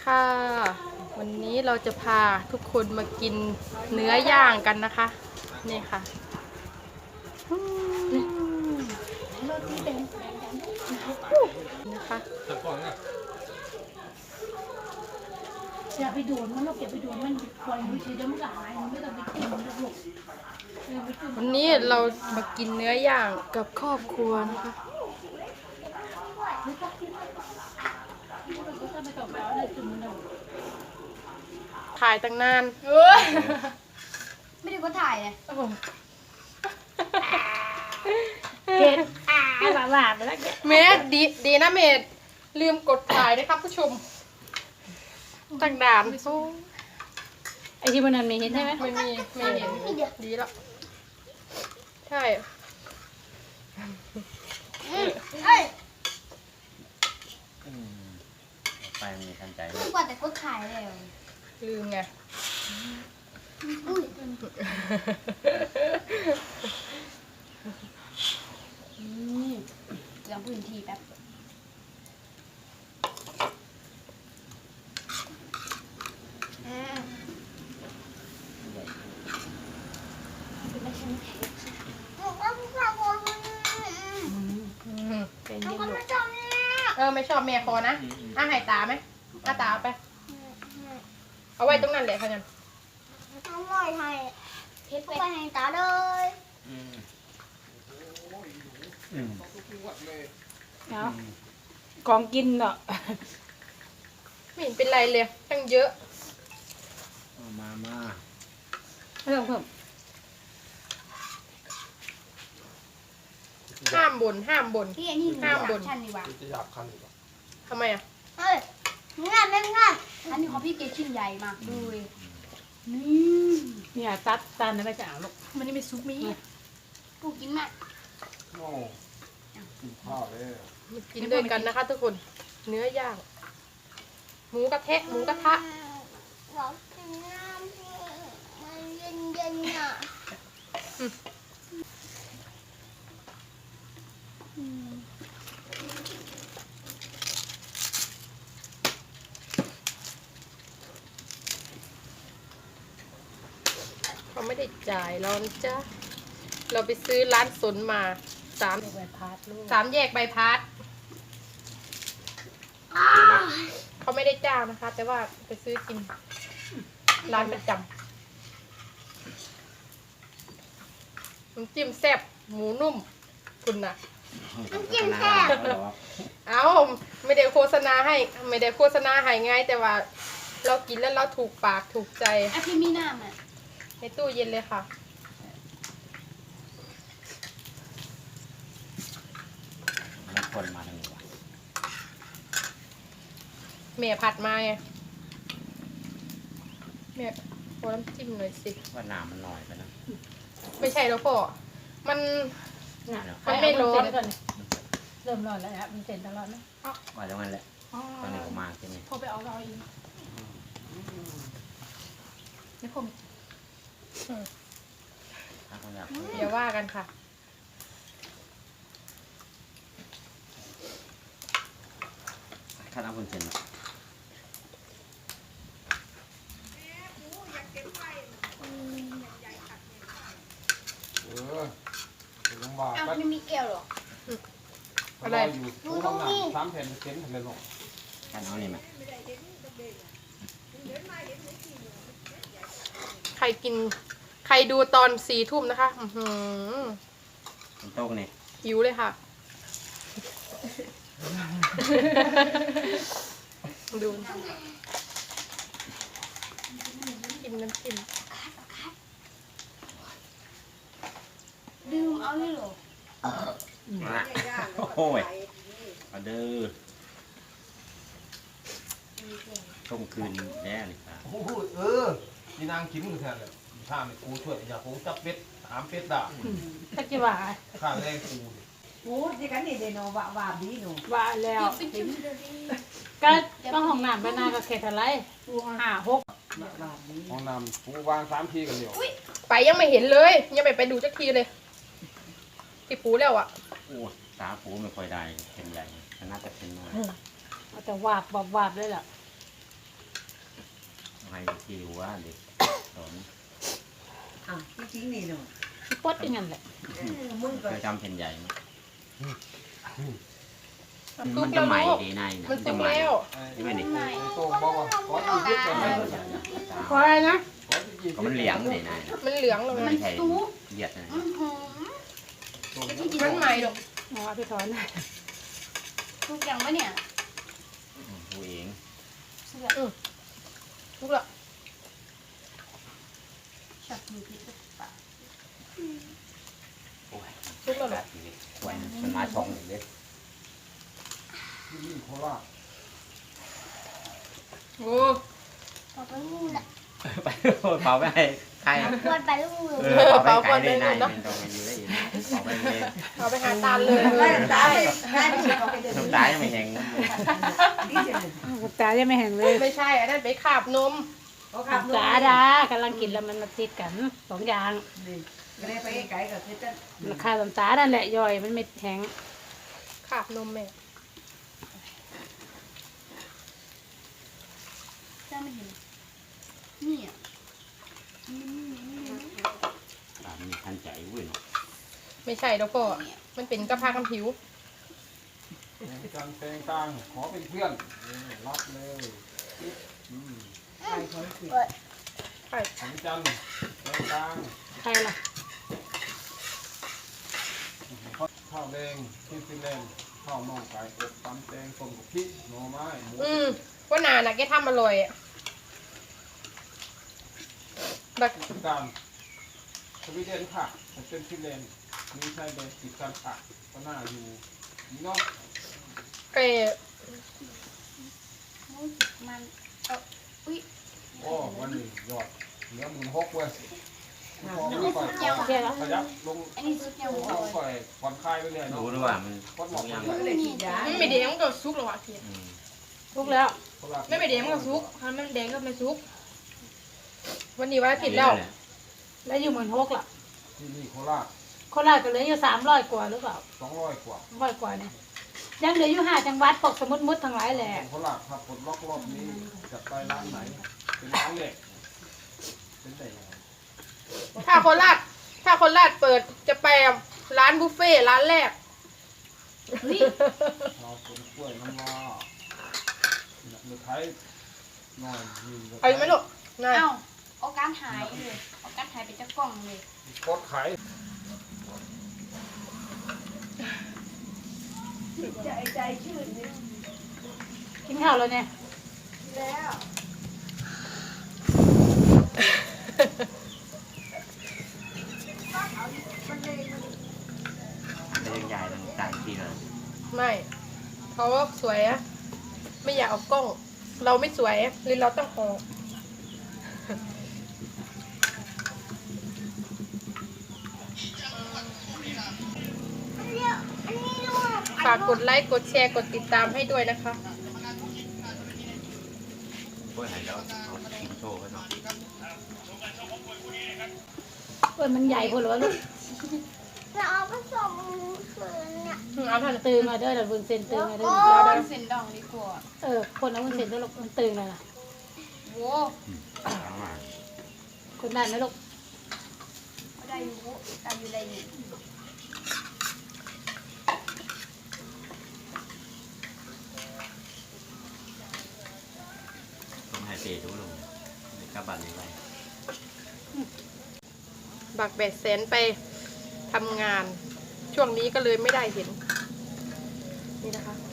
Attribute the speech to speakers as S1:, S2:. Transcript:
S1: ค่ะวันนี้เราจะพาทุกคนมากินเนื้อย่างกันนะคะนี่ค่ะนะคะ
S2: อย่าไปโดนมันหรอกอย่าไปโดนมันปล่อยมือเฉยๆมันก็หายมันไม่ต้องไปกินมันหรอก
S1: วันนี้เรามากินเนื้อย่างกับครอบครัวนะคะถ่ายตั้งนาน
S2: ไม่ได้ก็ถ่ายเลย
S1: เกดหลาไปแล้วเมดดีนะเมดลืมกดถ่ายนะครับผู้ชมตั้งด่าน
S3: ไอที่มันนั้นมีเห็นใช่ไหม
S1: ไม่เห็นดีแล้วใช่
S4: ไปมีทันใจ
S2: ไม่กว่าแต่ก็ถ่ายเลย
S1: ลืมไง
S2: อุ้ยลองพื้นที่แป๊บ
S1: ไม่ชอบแม่คอนะให้ตาไหมตาเอาไปเอาไว้ตรงนั้นแหละค่ะงั้น
S2: อร่อยไทยเพชรไปให้ตาเลย
S3: เอาของกินเนาะ
S1: ไม่เห็นเป็นไรเลยตั้งเยอะ
S4: มา
S3: เพิ่ม
S1: ห้ามบ่น
S2: ที่อันนี้ห้ามบนชั้นดีกว่า
S5: จะหยาบคันอีกเหรอ
S1: ทำไมอ่ะ
S2: เฮ้ยง่ายไม่ง่ายอันนี้ของพี่เกชิ้นใหญ่มากดู
S3: เนี่ยตัดตันไม่จะเอาลูก
S1: มันนี่เป็นซุปมี
S2: กูกินมาก
S5: โอ้กินข้าวเลย
S1: มากินด้วยกันนะคะทุกคนเนื้อย่างหมูกระทะ
S2: เรากินน้ำพี่มันเย็นๆอ่ะ
S1: เขาไม่ได้จ่ายเรานะจ๊ะเราไปซื้อร้านสนมา3
S3: ใบพัดลูก
S1: แยกใบพัดเขาไม่ได้จ้างนะคะแต่ว่าไปซื้อกินร้านประจำน้ำจิ้มแซ่บหมูนุ่มคุณน่ะ
S2: น้ำจิ้มแซ่บ
S1: เอาไม่ได้โฆษณาให้ไงแต่ว่าเรากินแล้วเราถูกปากถูกใจ
S2: พี่มีน้ำอ่ะ
S1: ในตู้เย็นเลยค่ะ
S4: แล้วคนมาทางนี้วะ
S1: แม่ผัดมาไงแม่ขอน้ำจิ้มหน่อยสิ
S4: ว่าน้ำมันหน่อยไปนะ
S1: ไม่ใช่แล้วพ่อมัน
S3: ไม่ร้อนเริ่มร้อนแล้วครับมันเสร็จตลอดนะ
S4: ว่าอย่างนั้นแหละตอนนี้ผมมาใช่ไหม
S3: พอไปเอาเราอีกนี่ผม
S1: อย่าว่ากันค่ะ
S4: ถ้าน้ำคุณเซ็น
S5: ลงบาท
S2: ไม่มีแก้วหรอ
S5: อะไรอยู่ตู้ห้องน้ำ3 แผ่นเซ็นเลยหรอก
S4: ท่านเอานี่ไหม
S1: ใครดูตอน4 ทุ่มนะคะ
S4: โต๊ะนี่
S1: หิวเลยค่ะดูกินน้ำจิ้ม
S2: ดื่มเอาเลยเหรอ
S4: โอ้ยมาเด้อต้มคืนแน่เลยครับ
S5: นี่นางกินกันแทนเลยข้าไม่กูช่วยอย่าผมจับเป็ดถามเป็ดด่า
S3: ถ้าจะว่า
S5: ข้าแรงกู
S6: โอ้ที่กันนี่เดโนว่าดีหนู
S3: ว่าแล้วก็ห้องน้ำไปนาก็แค่เท่าไร5-6
S5: ห้องน้ำกูวาง3 ทีกันเดียว
S1: ไปยังไม่เห็นเลยยังไม่ไปดูสักทีเลยที่ปูแล้วอ่ะ
S4: โอ้ตาปูไม่ค่อยได้เป็นใหญ่น่าจะเป็นน้อย
S3: แต่วาบเลยล่ะ
S4: ที่ว่าเด็กสอน
S6: อ่ะจริงๆนี่เนาะ
S3: ที่ปดอย่างนั้นแหละ
S6: มึงก็
S4: เคยทำแผ่นใหญ่ไหม
S1: ทุ
S4: มั
S1: ก
S4: น
S1: แล้
S4: จะ
S1: ว
S4: ใหม่
S1: ลูก
S4: ดีในนะ
S1: มัน
S4: จะ
S1: ทุก
S4: ใหม่
S1: แล้ว
S4: ใช่ไหมนี่
S5: ไอ้โต้งบอกว่าขอที่ยึดไปไหม
S1: ขออะไรนะ
S5: ขอที่ยึด
S4: ก็มันเหลียงดีใน
S1: มันเหลืองลง
S4: มัน
S1: นะ
S4: ไม่ใช่เหยียดนะ
S1: มันใหม่ดอก
S3: อ๋อพี่ถอน
S2: ทุกอย่างวะเนี่ย
S4: ผู้เอง
S1: ทุกแล้ว
S2: ฉับมือพิษปะ
S4: โอ้ย
S1: ทุกแล้ว
S4: แบ
S1: แหละ
S4: บนี้สวยมันมาช่องหนึ่งเลย
S5: ที่นี่โคราช
S1: โอ้
S7: ขอไปลูกละ
S4: ไปเผาไปให้ใคร
S7: ปวดไปลูกเลย
S4: เผาไปไกลได้ในมันตรงมันอยู่ได้อีกเผาไปเลย
S1: เอาไปหาตาลเลย
S6: ได้ตายได้ไม่ใช่เขาไปเดิน
S4: น้ำตายังไม่แห้ง
S6: นี่เฉย
S3: ตาจะไม่แห้งเลย
S1: ไม่ใช่อันนั้นไปขาบนม
S6: เขาขับรถ
S3: ตาดากำลังกินแล้วมันมาติดกันสองอย่าง
S6: นี่ไม่ได้ไปไกลกับคือจะ
S3: ราคาตานั่นแหละย่อยมันไม่แห้ง
S1: ขาบนมแม่
S2: จ้าไม่เห็นนี่อ่ะ
S4: มีทันใจเว้ย
S1: ไม่ใช่ดอกพ่อมันเป็นกระเพาะกำผิว
S5: จังแตงต่างขอเป็นเพื่อนรับเลย
S6: ไปเขาคุย
S5: ของจันแตงต่าง
S3: ใครล่ะ
S5: ข้าวแดงที่ฟินแลนด์ข้าวน่องไก่อบตำแตงต้มกับพริกหน่อไม้หมู
S1: ว่านาน่ะแกทำอร่อยอะแบบ
S5: การสวีเดนค่ะเป็นฟินแลนด์มีชายแดนติดกันค่ะก็น่าอยู่นี่เนาะ
S1: แก
S2: มัน
S5: โอ้วันนี้ยอดเหลือ16,000เว้ยพอไม่ก่อย
S3: โอเคแล้ว
S5: ขยับลง
S2: อันนี้สุดยอด
S5: เอาก่อยผ่อนคลายไปเลยเนาะ
S4: รู้หรือว่ามัน
S5: ผ่อนหมอก
S4: ยัง
S6: ก็เลยฉีดยา
S1: มันไม่แดงมันก็ซุกหรอกอะเกีย
S3: ทุกแล้ว
S1: ไม่แดงมันก็ซุกถ้ามันแดงก็ไม่ซุก วันนี้วันอาทิตย์แล้ว
S3: แล้วอยู่เหมือนฮกล่ะ
S5: ที่นี่โคราช
S3: คนราชก็เหลืออยู่300 กว่าหรือเปล่า
S5: 200 กว่า
S3: 100 กว่าเนี่ยยังเหลืออยู่5จังหวัดปกสมุทรมุดทั้งหลายแหละ
S5: โคราชครับปลดล็อกรอบนี้จะไปร้านไหน เป็นร้านแรกเป็นแต่ยังไง
S1: ถ้าโคราชเปิดจะไปร้านบุฟเฟ่ต์ร้านแรก
S5: เราเป็นกล้วยน้ำว้าเลือไทยหน่อยมี
S1: เอาอยู่ไหมลูกนาย
S2: เอ้าเอาการหายเลยเอาการหายไปจากกล่องเลย
S5: กดไข่
S6: ใจชื่นนี่
S3: กินข้าวแล้วเนี่ย
S6: แล้ว
S4: เรื่องใหญ่ต่างทีเลย
S1: ไม่เขาสวยอะไม่อยากเอากล้อง เราไม่สวยหรือเราต้องออกฝากกดไลค์กดแชร์กดติดตามให้ด้วยนะคะ
S4: กล้วยหายแล้วเอากินโชว์ไว้หน่อย
S3: มันใหญ่พอหรือวะลูก
S7: จะเอาผสมคืนเนี่ย
S1: เอาเท่านั้น
S3: ตื่นมาเด้อเดี๋ยววุ้นเส้นตื่นมาเด้อ
S2: เอาเส้นดองดีกว่า
S3: คนเอาวุ้นเส้นเด้อลูกมันตื่นเลยล่ะ
S2: โว้
S4: เอามา
S3: คนได้ไหมลูก
S2: ได้อยู่ได้อยู่
S4: ต้องให้เปย์ดูลงในกระบันนี้ไป
S1: บักแบดแสนไปทำงาน ช่วงนี้ก็เลยไม่ได้เห็น นี่นะคะ